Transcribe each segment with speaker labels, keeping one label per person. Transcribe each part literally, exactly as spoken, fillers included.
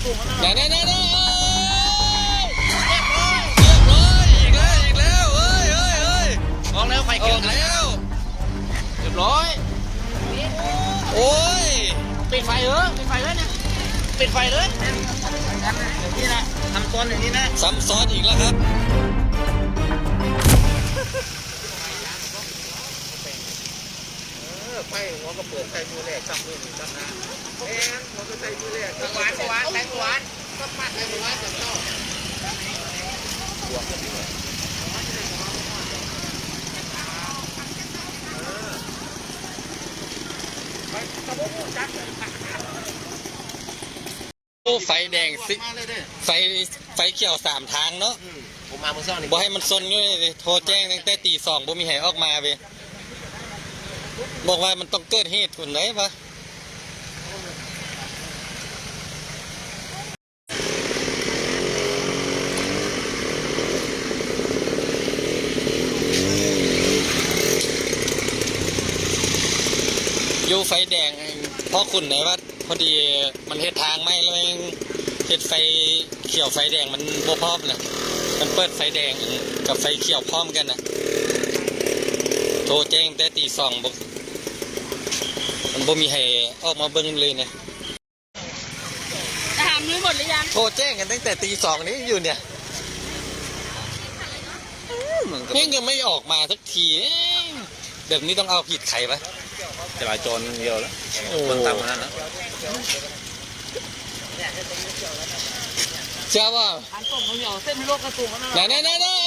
Speaker 1: แน่แน่แน่แน่เรียบร้อยอีกแล้วอีกแล้วเฮ้ยเฮ้ยเฮ้ยออกแล้วไฟเขียวแล้วเรียบร้อยโอ้ยปิดไฟเออปิดไฟเลยเนี่ยปิดไฟเลยอย่างนี้นะทำซ้อนอย่างนี้นะซ้ำซ้อนอีกแล้วครับไฟหัวก็เปิดใส่มือแรกจับมือหนึ่งจับนะแอนหัวก็ใส่มือแรกหวานหวานแตงหวานก็ปัดใส่หวานจับเจ้าโอ้ไฟแดงสิไฟไฟเขียวสามทางเนาะผมมาเมื่อเช้านี่บ่ให้มันซนเลยโทรแจ้งตั้งแต่ตีสองบ่มีให้ออกมาเว้ยบอกว่ามันต้องเกิดเหตุคนไหนปะอยู่ไฟแดงเพราะคุณไหนว่าพอดีมันเหตุทางไม่เลยเหตุไฟเขียวไฟแดงมันบ่พร้อมนะมันเปิดไฟแดงกับไฟเขียวพร้อมกันนะโทรแจ้งแต่ตีสองบอกมันบ่มีให้ออกมาเบิ้งเลยนะ
Speaker 2: ถามรู้หมดหรือยัง
Speaker 1: โทรแจ้งกันตั้งแต่ตีสองนี้อยู่เนี่ยนี่ยังไม่ออกมาสักทีแบบนี้ต้องเอาผิดใครปะจราจรเดียวแล้วคนตามมาแล้วนะเชื่อว่า
Speaker 2: อันต้มเหนียวเส้นโลกกระตุกนะ
Speaker 1: แน่แน่แน่แน่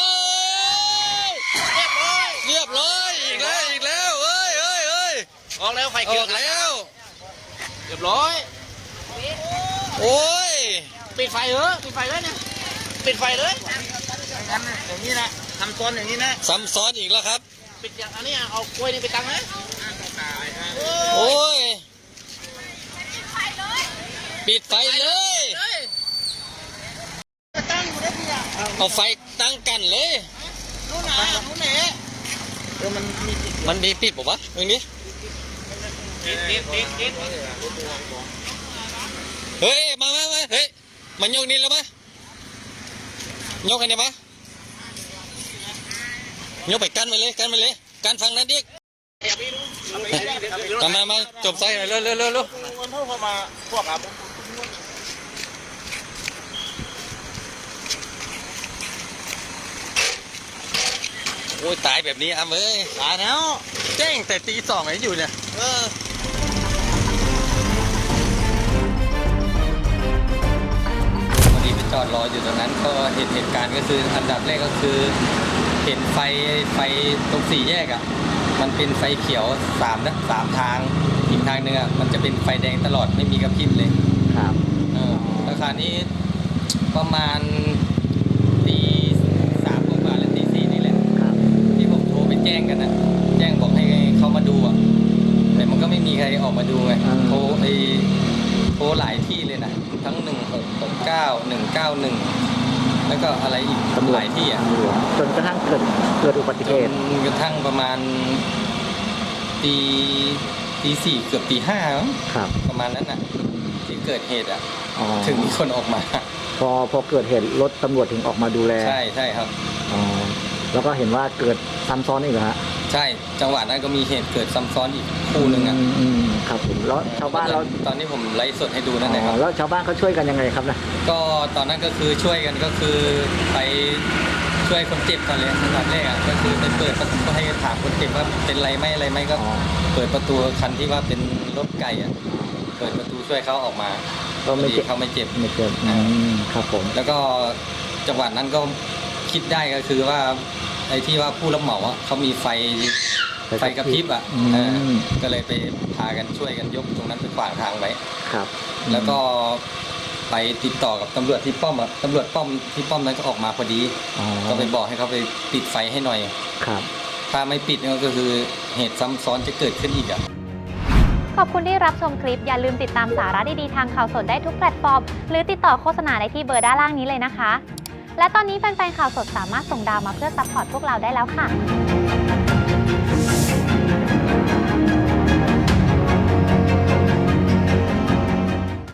Speaker 1: เรียบร้อยอีกแล้วอีกแล้วเอ้ยเอ้ยเอ้ยออกแล้วไฟเขียวแล้วเรียบร้อยโอ้ยปิดไฟเออปิดไฟเลยเนี่ยปิดไฟเลยอย่างนี้นะทำซ้อนอย่างนี้นะซ้ำซ้อนอีกแล้วครับปิดอย่างอันนี้เอากล้วยนี่ไปตั้งนะโอ้ยปิดไฟเลยเอาไฟตั้งกันเลยรู้หนารู้เหน่เออมันมีมันมีปิดป่ะวะตรงนี้ปิดปิดปิดปิดเฮ้ยมามามาเฮ้ยมันยกนี่แล้วมั้ยยกอันนี้ปะยกไปกันไปเลยกันไปเลยกันฟังนั้นดิมามามาจบใส่เร็วเร็วเร็วเร็วเข้ามาพวกครับโอ้ยตายแบบนี้อ่ะเอ้ยตายแล้วแจ้งแต่ตีสองไหนอยู่เนี่ยเออพอดีไปจอดรออยู่ตรงนั้นก็เห็นเหตุการณ์ก็คืออันดับแรกก็คือเห็นไฟไฟตรงสี่แยกอ่ะมันเป็นไฟเขียวสามนะสามทางอีกทางหนึ่งอ่ะมันจะเป็นไฟแดงตลอดไม่มีกระพริบเลยครับเออราคานี้ประมาณตีสามกว่าและตีสี่นี่แหละที่ผมโทรไปแจ้งกันนะแจ้งบอกให้เขามาดูอ่ะแต่มันก็ไม่มีใครออกมาดูไงโทรไปโทรหลายที่เลยนะทั้งหนึ่งหกหกเก้าหนึ่งเก้าหนึ่งแล้วก็อะไรอีกหลายที่อ่ะ
Speaker 3: จนกระทั่งเกิดเกิดอุบัติเหตุ
Speaker 1: จนกระทั่งประมาณตีตีสี่เกือบตีห้าครับประมาณนั้นน่ะที่เกิดเหตุอ่ะถึงมีคนออกมา
Speaker 3: พอพอเกิดเหตุรถตำรวจถึงออกมาดูแล
Speaker 1: ใช่ใช่ครับ
Speaker 3: อ๋อแล้วก็เห็นว่าเกิดซ้ำซ้อนอีกเหรอฮะ
Speaker 1: ใช่จังหวะนั้นก็มีเหตุเกิดซ้ำซ้อนอีกคู่หนึ่งอ่ะ
Speaker 3: อืมครับผมแล้วชาวบ้านเรา
Speaker 1: ตอนนี้ผมไลฟ์สดให้ดูนั่นเองครับ
Speaker 3: แล้วชาวบ้านเขาช่วยกันยังไงครับนะ
Speaker 1: ก็ตอนนั้นก็คือช่วยกันก็คือไปช่วยคนเจ็บก่อนเลยอันดับแรกอ่ะก็คือไปเปิดประตูให้ถามคนเจ็บว่าเป็นไรไหมอะไรไหมก็เปิดประตูคันที่ว่าเป็นรถไก่อ่ะเปิดประตูช่วยเขาออกมา
Speaker 3: ก็ไม่เจ็บ
Speaker 1: เขาไม่เจ็บ
Speaker 3: ไม่เจ็บครับผม
Speaker 1: แล้วก็จังหวะนั้นก็คิดได้ก็คือว่าไอ้ที่ว่าผู้รับเหมาอ่ะเขามีไฟไฟกระพริบอ่ะก็เลยไปพากันช่วยกันยกตรงนั้นไปขวางทางไว้
Speaker 3: ครับ
Speaker 1: แล้วก็ไปติดต่อกับตำรวจที่ป้อมอ่ะตำรวจป้อมที่ป้อมนั้นก็ออกมาพอดีก็ไปบอกให้เขาไปปิดไฟให้หน่อย
Speaker 3: ครับ
Speaker 1: ถ้าไม่ปิดก็คือเหตุซ้ำซ้อนจะเกิดขึ้นอีกอ่ะ
Speaker 4: ขอบคุณที่รับชมคลิปอย่าลืมติดตามสาระดีๆทางข่าวสดได้ทุกแพลตฟอร์มหรือติดต่อโฆษณาได้ที่เบอร์ด้านล่างนี้เลยนะคะและตอนนี้แฟนๆข่าวสดสามารถส่งดาวมาเพื่อซัพพอร์ตพวกเราได้แล้วค่ะ